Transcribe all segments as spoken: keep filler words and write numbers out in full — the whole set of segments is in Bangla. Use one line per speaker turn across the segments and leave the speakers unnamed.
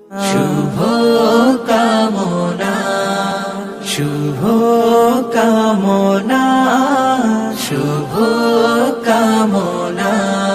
শুভ কামনা, শুভ কামনা, শুভ কামনা।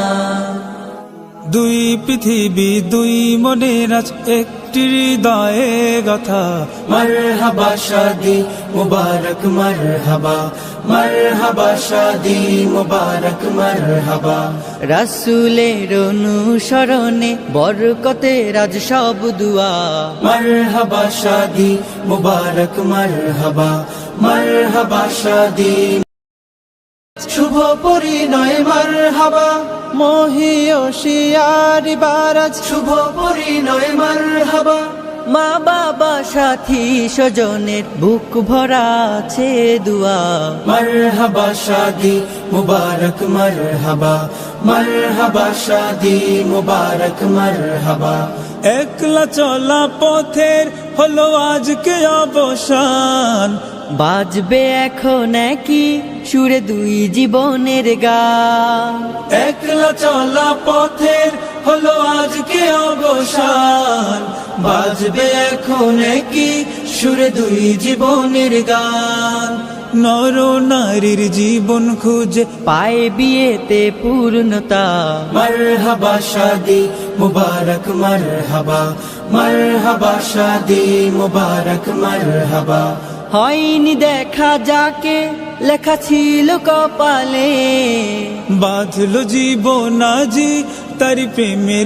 দুই পৃথিবী দুই মনের আজ একটি হৃদয়ে গাথা।
মারহাবা শাদি মুবারক মারহাবা, মারহাবা শাদি মুবারক মারহাবা।
রাসূলের অনুসরণে বরকতের আজ সব দুয়া।
মারহাবা শাদি মুবারক মারহাবা, মারহাবা শাদি। শুভ পরিণয় মারহাবা,
মহিয়সিয়ারি বারাজ
শুভ পরিণয় মারহাবা।
মা বাবা সাথী স্বজনের বুক ভরা আছে দুয়া।
মারহাবা শাদি মুবারক মারহাবা, মারহাবা শাদি মুবারক মারহাবা।
একলা চলা পথের হলো আজকে অবসান।
বাজবে এখন কি সুরে দুই জীবনের গান।
একলা চলা পথের হলো আজকে অবসান। বাজবে এখন কি সুরে দুই জীবনের গান।
নর নারীর জীবন খুঁজে
পায় বিয়েতে পূর্ণতা।
মারহাবা শাদি মুবারক মারহাবা, মারহাবা শাদি মুবারক মারহাবা।
হয়নি দেখা যাকে লেখা ছিল কপালে,
বাঁধলো জীবন আজি তারি প্রেমের